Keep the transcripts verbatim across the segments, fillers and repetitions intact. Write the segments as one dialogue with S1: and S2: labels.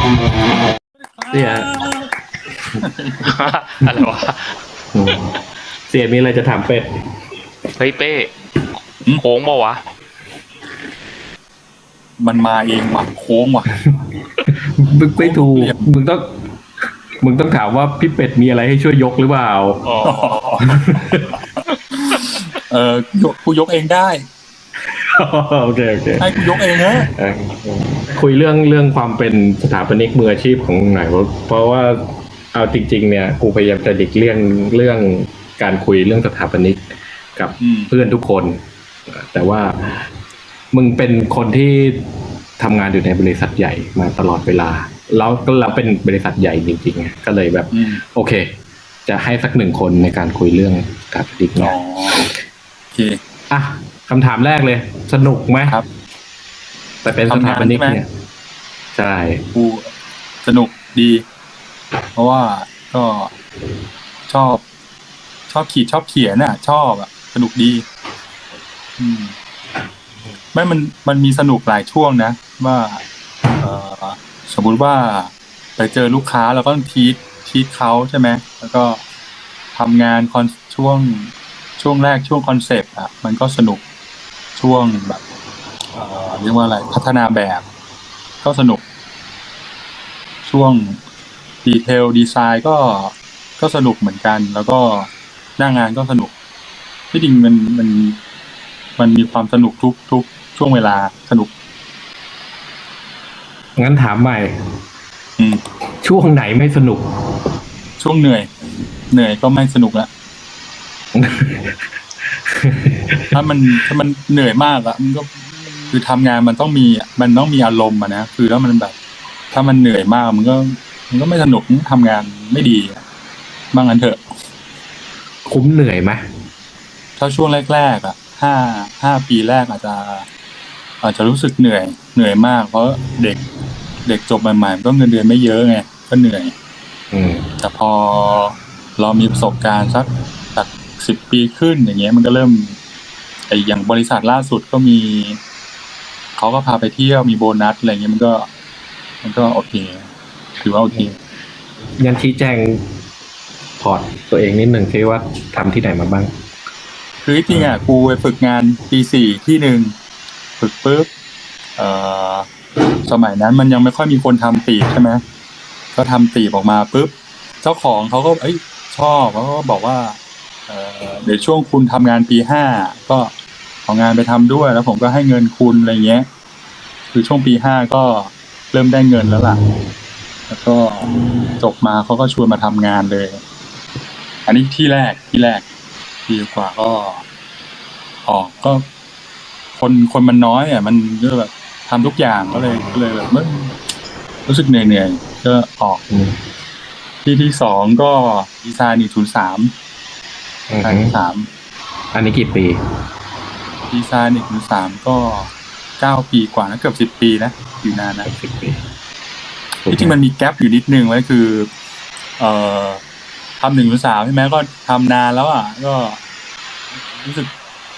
S1: เสีย
S2: อะไรวะ
S1: เสียมีอะไรจะถามเป็ด
S2: เฮ้ยเป้โค้งป่าวะ
S3: มันมาเองว่ะโค้งว่ะ
S1: มึงไม่ถูกมึงต้องมึงต้องถามว่าพี่เป็ดมีอะไรให้ช่วยยกหรือเปล่า
S3: เออกูยกเองได้
S1: โอเคโอเค
S3: ให้กูยกเองนะ
S1: คุยเรื่องเรื่องความเป็นสถาปนิกมืออาชีพของหน่อยเพราะว่าเอาจริงๆเนี่ยกูพยายามจะหลีกเลี่ยงเรื่องการคุยเรื่องสถาปนิกกับเพื่อนทุกคนแต่ว่ามึงเป็นคนที่ทำงานอยู่ในบริษัทใหญ่มาตลอดเวลาแล้วก็เราเป็นบริษัทใหญ่จริงๆก็เลยแบบโอเคจะให้สักหนึ่งคนในการคุยเรื่องสถาปนิกเนาะ
S3: โอเค
S1: อ่ะคำถามแรกเลยสนุกไหม
S3: ครับ
S1: แต่เป็นสถาปนิกเนี่ยใช่
S3: กูสนุกดีเพราะว่าก็ชอบชอบขีดชอบเขียนน่ะชอบอ่ะสนุกดีอืมไม่มันมันมีสนุกหลายช่วงนะว่าเอ่อสมมุติว่าไปเจอลูกค้าเราก็ต้องทีททีทเขาใช่ไหมแล้วก็ทำงานคอนช่วงช่วงแรกช่วงคอนเซปต์อ่ะมันก็สนุกช่วงแบบเอ่อเรียกว่าอะไรพัฒนาแบบก็สนุกช่วงดีเทลดีไซน์ก็ก็สนุกเหมือนกันแล้วก็หน้างานก็สนุกที่จริงมันมันมันมีความสนุกทุกทุกช่วงเวลาสนุก
S1: งั้นถามใหม่
S3: อืม
S1: ช่วงไหนไม่สนุก
S3: ช่วงเหนื่อยเหนื่อยก็ไม่สนุกละถ้ามันถ้ามันเหนื่อยมากอะมันก็คือทำงานมันต้องมีมันต้องมีอารมณ์อะนะคือแล้วมันแบบถ้ามันเหนื่อยมากมันก็มันก็ไม่สนุกทำงานไม่ดีบ้างงั้นเถอะ
S1: คุ้มเหนื่อยไหม
S3: ถ้าช่วงแรกๆอ่ะห้าห้าปีแรกอาจจะอาจจะรู้สึกเหนื่อยเหนื่อยมากเพราะเด็กเด็กจบใหม่ๆก็เงินเดือนไม่เยอะไงก็เหนื่อยแต่พอเรามีประสบการณ์สักสักสิบปีขึ้นอย่างเงี้ยมันก็เริ่มไอ้อย่างบริษัทล่าสุดก็มีเขาก็พาไปเที่ยวมีโบนัสอะไรเงี้ยมันก็มันก็โอเคถือว่าโอเค
S1: ยันชี้แจงพอร์ตตัวเองนิดหนึ่งที่ว่าทำที่ไหนมาบ้าง
S3: คือจริงอ่ะกูไปฝึกงานปีสี่ที่หนึ่งฝึกปุ๊บเอ่อสมัยนั้นมันยังไม่ค่อยมีคนทำตีบใช่ไหมก็ทำตีบออกมาปุ๊บเจ้าของเขาก็เอ้ยชอบเขาก็บอกว่าเอ่อเดี๋ยวช่วงคุณทำงานปีห้าก็เอางานไปทำด้วยแล้วผมก็ให้เงินคุณอะไรเงี้ยคือช่วงปีห้าก็เริ่มได้เงินแล้วล่ะแล้วก็จบมาเขาก็ชวนมาทำงานเลยอันนี้ที่แรกที่แรกปีกว่าก็ออกก็คนคนมันน้อยอ่ะมันก็แบบทำทุกอย่างก็เลยก็เลยแบบไม่รู้สึกเหนื่อยเหนื่อยก็ออกที่ที่สองก็ดีไซน์หนึ่งศูนย์สามดีไซน์สาม
S1: อันนี้กี่ปี
S3: ดีไซน์หนึ่งศูนย์สามก็เก้าปีกว่านะเกือบสิบปีนะอยู่นานนะ
S1: สิบปี
S3: ที่จริงมันมีแกปอยู่นิดนึงไว้คือเอ่อทำหนึ่งหรือสามใช่ไหมก็ทำนานแล้วอ่ะก็รู้สึก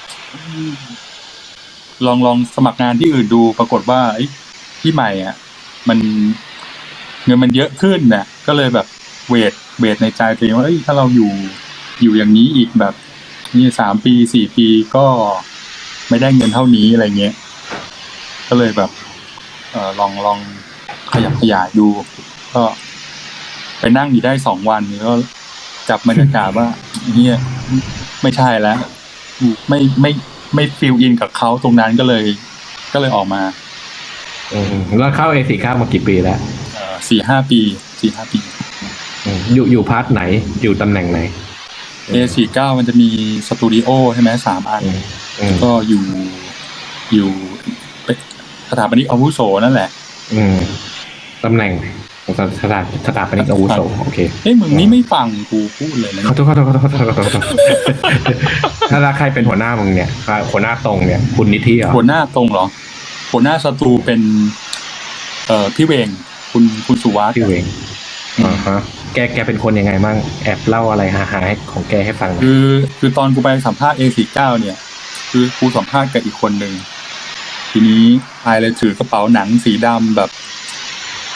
S3: ลองลองสมัครงานที่อื่นดูปรากฏว่าที่ใหม่อ่ะมันเงินมันเยอะขึ้นเนี่ยก็เลยแบบเวทเวทในใจตัวเองว่าถ้าเราอยู่อยู่อย่างนี้อีกแบบนี่สามปีสี่ปีก็ไม่ได้เงินเท่านี้อะไรเงี้ยก็เลยแบบเออลองลองขยับขยายดูก็ไปนั่งอยู่ได้สองวันก็จับบรรยากาศว่าเนี่ยไม่ใช่แล้วไม่ไม่ไม่ฟิลอินกับเขาตรงนั้นก็เลยก็เลยออกมา
S1: อืมแล้วเข้า เอ สี่ เก้ามากี่ปีแล้ว
S3: เอ่อสี่ห้าปีสี่ห้าปี
S1: อยู่อยู่พาร์ทไหนอยู่ตำแหน่งไหน
S3: เอ สี่เก้า มันจะมีสตูดิโอใช่ไหมสามอันก็อยู่อยู่สถาปนิกอาวุโสนั่นแหละ
S1: อืมตำแหน่งสถาสถาปนิกอาวุโสโอเค
S3: เฮ้ยมึงนี่ไม่ฟังกูพูดเลยนะ
S1: ขอโทษขอโทษขอโทษขอโทษขอโทษถ้าใครเป็นหัวหน้ามึงเนี่ยหัวหน้าตรงเนี่ยคุณนิธิเหรอ
S3: หัวหน้าตรงเหรอหัวหน้าสตูเป็นเอ่อพี่เวงคุณคุณสุวัสดิ์
S1: พี่เวงอ่าฮะแกแกเป็นคนยังไงมั่งแอบเล่าอะไรฮาๆของแกให้ฟัง
S3: คือคือตอนกูไปสัมภาษณ์ เอ สี่เก้า เนี่ยคือกูสัมภาษณ์กับอีกคนนึงทีนี้ไอเลยถือกระเป๋าหนังสีดำแบบเ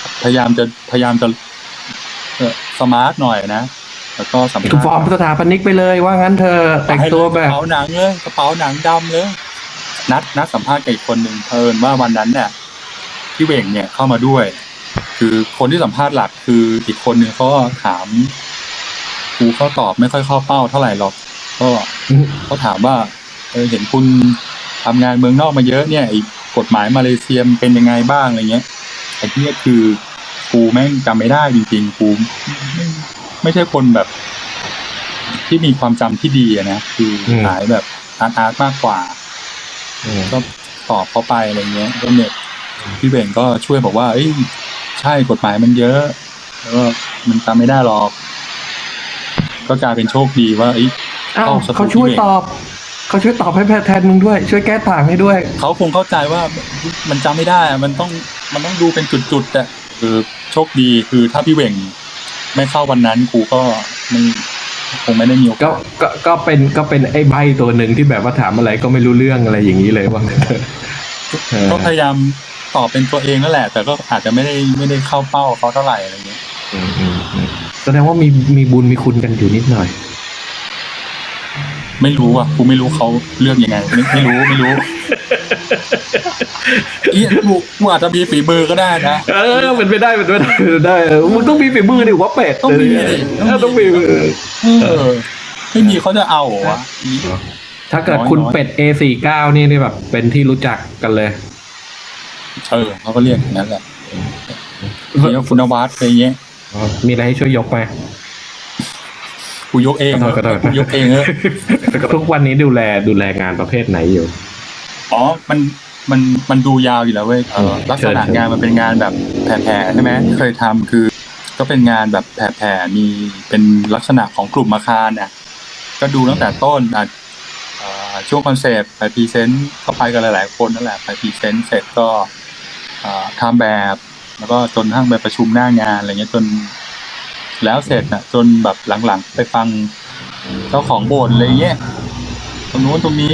S3: พยายามจะพยายามจะเอ่อสมาร์ทหน่อยนะแล้วก็สัมภาษ
S1: คือฟอร์ม
S3: ณ์
S1: สถาปนิกไปเลยว่างั้นเธอแต่งตัวแบ
S3: กระ
S1: บ
S3: เป๋าหนังเลยกระเป๋าหนังดำเลยนัดนัดสัมภาษณ์กับอีกคนหนึ่งเพิ่นว่าวันนั้นเนี่ยพี่เหว่งเนี่ยเข้ามาด้วย คือคนที่สัมภาษณ์หลักคืออีกคนหนึ่งเขาก็ถามกูเขาตอบไม่ค่อยเข้าเป้าเท่าไหร่หรอกก็เขาถามว่าเออเห็นคุณทำงานเมืองนอกมาเยอะเนี่ยไอ้กฎหมายมาเลเซียมันเป็นยังไงบ้างอะไรเงี้ยไอ้ที่คือกูแม่งจำไม่ได้จริงๆกูไม่ไม่ใช่คนแบบ ที่มีความจำที่ดีอะนะคือสายแบบอาร์ตอาร์ตมากกว่าก็ตอบเขาไปอะไรเงี้ยก็เนี่ยพี่เบ่งก็ช่วยบอกว่าเอ้ยใช่กฎหมายมันเยอะแล้วก็มันจำไม่ได้หรอกก็กลายเป็นโชคดีว่าเอ้ย
S1: อ้าว
S3: เข้าสตู
S1: เขาช่วย
S3: พี่เบ่ง
S1: ตอบเขาช่วยตอบให้แทนมึงด้วย ช่วยแก้ต่างให้ด้วย
S3: เขาคงเข้าใจว่ามันจำไม่ได้อะมันต้องมันต้องดูเป็นจุดๆอะคือโชคดีคือถ้าพี่เบ่งไม่เข้าวันนั้นครูก็ไม่คงไม่ได้มีโอกาส
S1: ก็ก็ก็เป็นก็เป็นไอ้ใบตัวหนึ่งที่แบบว่าถามอะไรก็ไม่รู้เรื่องอะไรอย่างนี้เลยว่างั้นเถอะเออ
S3: ก็พยายามตอบเป็นตัวเองนั่นแหละ แต่ก็อาจจะไม่ได้ไม่ได้เข้าเป้าเขาเท่าไหร่อะไรเงี้ย
S1: อืมอืมอืมแสดงว่ามีมีบุญมีคุณกันอยู่นิดหน่อย
S3: ไม่รู้อ่ะกูไม่รู้เขาเลือกยังไง ไม่ไม่รู้ไม่รู้อีกูกูอาจจะมีฝีมือก็ได้นะ
S1: เออเป็นไปได้เป็นไปได้เป็นไปได้เออมึงต้องมีฝีมือดิว่าเป็ด
S3: ต้องมีดิ
S1: เออต้องมีเออ
S3: เออไม่มีเขาจะเอาเหรอวะอี
S1: ถ้าเกิด
S3: น้อย
S1: คุณ
S3: น้อย
S1: เป็ด เอ สี่สิบเก้า นี่นี่แบบเป็นที่รู้จักกันเลย
S3: เออเขาก็เรียกอย่างนั้นแหละเรียกคุณนวัดอะไรเงี้ย
S1: มีอะไรให้ช่วยยกไหม
S3: กูยกเอง
S1: ขอโทษขอโทษ
S3: กูยกเองเออ
S1: ทุกวันนี้ดูแลดูแลงานประเภทไหนอยู่
S3: อ๋อมันมันมันดูยาวอยู่แล้วเว้ยเออลักษณะ
S1: เชิญ
S3: งานมันเป็นงานแบบแผ่ๆใช่ไหมเคยทำคือ ก็เป็นงานแบบแผ่ๆมีเป็นลักษณะของกลุ่มอาคารเนี่ยก็ดูตั้งแต่ต้นอ่ะเอ่อช่วงคอนเซปต์ไปพรีเซนต์ก็ไปกันหลายๆคนนั่นแหละไปพรีเซนต์เสร็จก็เอ่อทำแบบ แล้วก็จนทั้งไปประชุมหน้างานอะไรเงี้ยจนแล้วเสร็จน่ะจนแบบหลังๆไปฟังเจ้าของโบสถ์อะไรเงี้ยตรงนู้นตรงนี้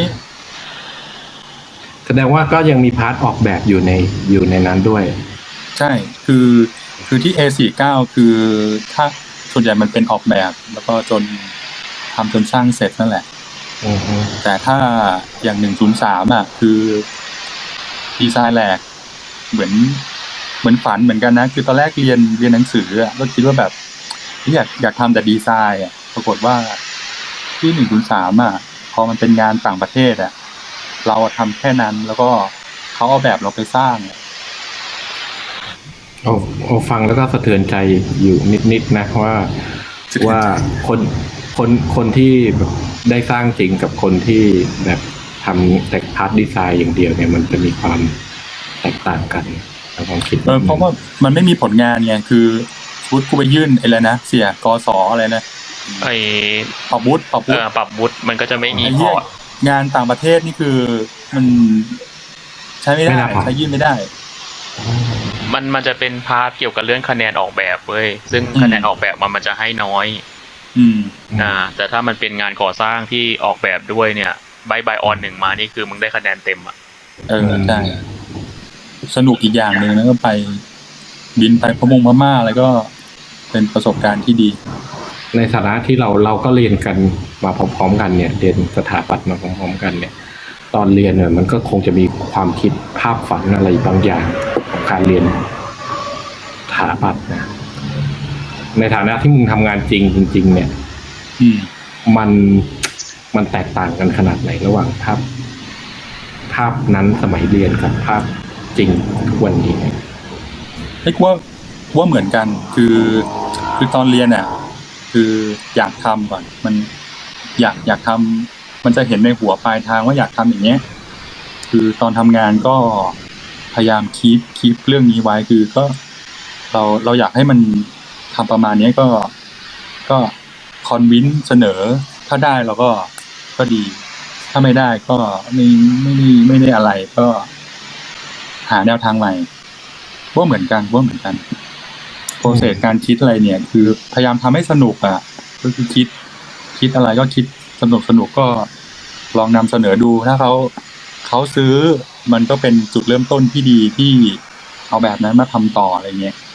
S1: แสดงว่าก็ยังมีพาร์ทออกแบบอยู่ในอยู่ในนั้นด้วย
S3: ใช่ คือ คือที่ เอ สี่สิบเก้า คือถ้าส่วนใหญ่มันเป็นออกแบบ แล้วก็จนทำจนสร้างเสร็จนั่นแหละ
S1: อือฮึ
S3: แต่ถ้าอย่างหนึ่งศูนย์สามอ่ะ คือดีไซน์แหลก เหมือน เหมือนฝันเหมือนกันนะ คือตอนแรกเรียนเรียนหนังสืออ่ะ ก็คิดว่าแบบอยากอยากทำแต่ดีไซน์อ่ะ ปรากฏว่าที่หนึ่งศูนย์สามอ่ะ พอมันเป็นงานต่างประเทศอ่ะ เราทำแค่นั้น แล้วก็เขาเอาแบบเราไปสร้างอะ
S1: โอ้โอ้ฟังแล้วก็สะเทือนใจอยู่นิดๆนะว่าว่าคนคนคนที่แบบได้สร้างจริงกับคนที่แบบทำแต่พาร์ทดีไซน์อย่างเดียวเนี่ยมันจะมีความแตกต่างกันในความคิด
S3: เออเพราะว่ามันไม่มีผลงานไงคือฟุตกูไปยื่นไอ้อะไรนะเสียกสอะไรนะ
S2: ไอ
S3: ปรับวุฒิปรับ
S2: เอ
S3: วุฒิ
S2: อปรับวุฒิมันก็จะไม่มี
S3: ไอ้
S2: พ
S3: เหี้
S2: อย ร์ต
S3: งานต่างประเทศนี่คือมันใช้ไม่ได้ใช้ยื่นไม่ได้
S2: มันมันจะเป็นพาร์ทเกี่ยวกับเรื่องคะแนนออกแบบเว้ยซึ่ง
S3: อืม
S2: คะแนนออกแบบมันมันจะให้น้อย
S3: อืม
S2: อ่าแต่ถ้ามันเป็นงานก่อสร้างที่ออกแบบด้วยเนี่ยใบใบออนหนึ่งมานี่คือมึงได้คะแนนเต็มอ่ะ
S3: เออใช่สนุกอีกอย่างหนึ่งแล้วก็ไปบินไปพะมงพม่าอะไรก็เป็นประสบการณ์ที่ดี
S1: ในฐานะที่เราเราก็เรียนกันมาพร้อมๆกันเนี่ยเรียนสถาปัตย์มาพร้อมๆกันเนี่ย ตอนเรียนเนี่ยมันก็คงจะมีความคิดภาพฝันอะไรบางอย่างของการเรียนสถาปัตย์นะในฐานะที่มึงทำงานจริงจริง ๆ เนี่ย
S3: อืม
S1: มันมันแตกต่างกันขนาดไหนระหว่างภาพภาพนั้นสมัยเรียนกับภาพจริงทุกวันนี้เนี่ย
S3: เฮ้ยกูว่ากูว่าเหมือนกัน คือคือตอนเรียนอ่ะ คืออยากทำก่อน มันอยากอยากทำมันจะเห็นในหัวปลายทางว่าอยากทำอย่างเงี้ย คือตอนทำงานก็พยายามคีปคีปเรื่องนี้ไว้คือก็เราเราอยากให้มันทำประมาณนี้ก็ก็คอนวินเสนอ ถ้าได้เราก็ก็ดี ถ้าไม่ได้ก็ไม่ไม่ได้ไม่ได้อะไรก็หาแนวทางใหม่ว่าเหมือนกันว่าเหมือนกันโปรเซสการคิดอะไรเนี่ย คือพยายามทำให้สนุกอ่ะก็คือคิด คิดอะไรก็คิดสนุกสนุกก็ลองนำเสนอดูถ้าเขาเขาซื้อมันก็เป็นจุดเริ่มต้นที่ดีที่เอาแบบนั้นมาทำต่ออะไรเงี้ย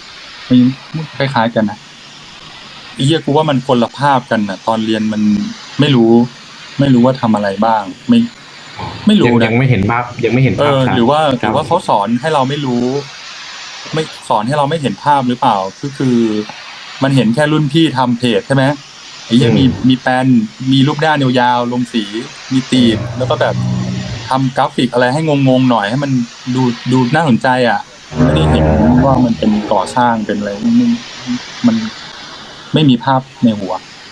S3: คล้ายๆกันนะไอ้เหี้ยกูว่ามันคนละภาพกันนะตอนเรียนมันไม่รู้ ไม่รู้ว่าทำอะไรบ้าง ไม่ ไม่รู้
S1: ยัง
S3: นะ
S1: ยังไม่เห็นภาพยังไม่เห็น
S3: เอ
S1: ภาพ
S3: อ
S1: ชัด
S3: หรือว่าห
S1: ค
S3: รื
S1: บ
S3: อว่าเขาสอนให้เราไม่รู้ ไม่สอนให้เราไม่เห็นภาพหรือเปล่าก็คือ มันเห็นแค่รุ่นพี่ทำเพจใช่ไหมไอ้เหี้ยมีมีแปนมีรูปด้านยาวๆลงสีมีตีบแล้วก็แบบทำกราฟิกอะไรให้งงๆหน่อยให้มันดูดูน่าสนใจอ่ะไม่ได้เห็นว่ามันเป็นก่อสร้างเป็นอะไรมันมันไม่มีภาพในหัว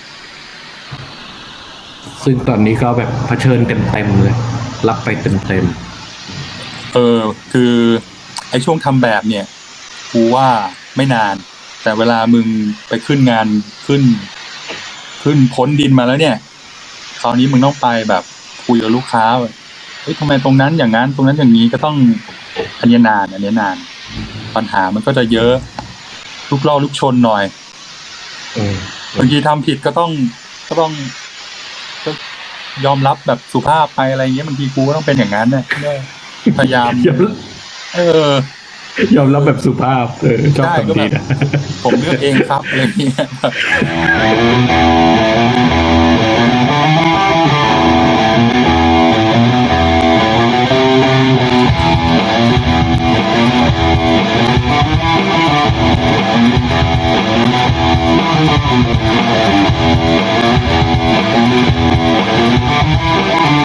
S1: ซึ่งตอนนี้ก็แบบเผชิญเต็มๆเลย รับไปเต็ม
S3: เออ คือไอ้ช่วงทำแบบเนี่ยกูว่าไม่นาน แต่เวลามึงไปขึ้นงานขึ้น ขึ้นพ้นดินมาแล้วเนี่ยคราวนี้มึงต้องไปแบบคุยกับลูกค้าแบบเฮ้ยทำไมตรงนั้นอย่างนั้นตรงนั้นอย่างนี้ก็ต้องอันนี้นานอันนี้นาน ปัญหามันก็จะเยอะลูกล่อลูกชนหน่อย
S1: ๆอืม
S3: บางทีทำผิดก็ต้องก็ต้องก็ยอมรับแบบสุภาพไปอะไรเงี้ยบางทีกูก็ต้องเป็นอย่างนั้นเนี่ยพยายาม
S1: ยอม
S3: เออ
S1: ยอมรับแบบสุภาพเออชอบ
S3: ได้ก็
S1: คำ
S3: แบ
S1: นี้
S3: บ
S1: นะ
S3: ผมเลือกเองครับอะไรเงี้ย